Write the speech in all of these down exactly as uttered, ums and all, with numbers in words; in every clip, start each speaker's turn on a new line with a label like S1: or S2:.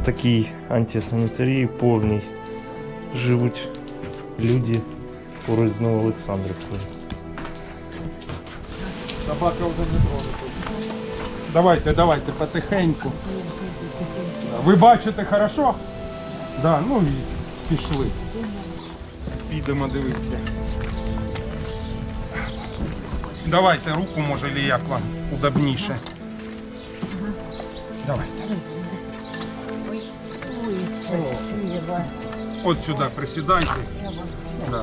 S1: такій антисанітарії повній живуть люди поруч з Новоолександрівкою.
S2: Собака вже не тронута. Давайте, давайте, потихеньку. Ви бачите хорошо? Да, ну і пішли. Підемо дивитися. Давайте руку, може, чи як вам удобніше. Давайте. От сюди присідайте. Да.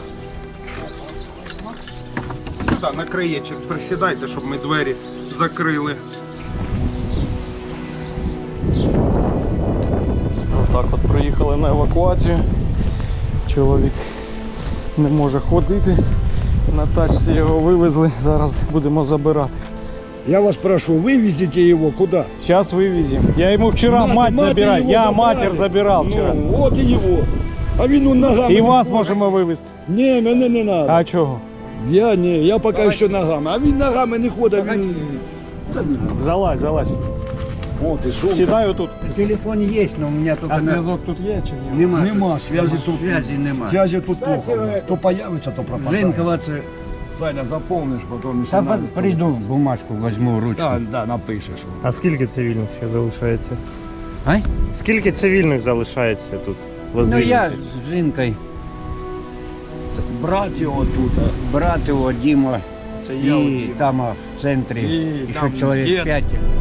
S2: Сюди, на краєчок присідайте, щоб ми двері закрили.
S3: Отак от приїхали на евакуацію. Чоловік не може ходити. На тачці його вивезли, зараз будемо забирати.
S4: Я вас прошу, вывезите его куда?
S3: Сейчас вывезем. Я ему вчера
S4: Мать-
S3: мать,
S4: мать
S3: забираю.
S4: его
S3: Я
S4: забрали.
S3: матер забирал вчера.
S4: Ну, вот и его. А він он ногами.
S3: І
S4: не
S3: вас
S4: ходить.
S3: можемо вивезти.
S4: Ні, мене не надо.
S3: А чого?
S4: Я не, я поки що ногами. А він ногами не ходить. Він...
S3: Залазь, залазь.
S4: О, ти що?
S3: Сідаю тут.
S5: Телефон есть, но у меня только
S2: А
S5: на...
S2: зв'язок тут є чи ні?
S5: Нема.
S4: Нема, зв'язі тут.
S5: Зв'язі нема.
S4: Зв'язі тут плохо. То появиться, то пропадає.
S5: Женькова, це...
S4: Саня, заповниш, потім...
S5: Та по- прийду, бумажку возьму, ручку.
S4: Да, да, напишеш.
S1: А скільки цивільних ще залишається?
S5: А?
S1: Скільки цивільних залишається тут?
S5: Ну я
S1: Воздвиженців?
S5: з жінкою,
S4: Брат його тут.
S5: брат його, Діма,
S4: Це я
S5: і
S4: один.
S5: там а, в центрі,
S4: І
S5: і
S4: там
S5: ще чоловік
S4: дід.
S5: п'ять.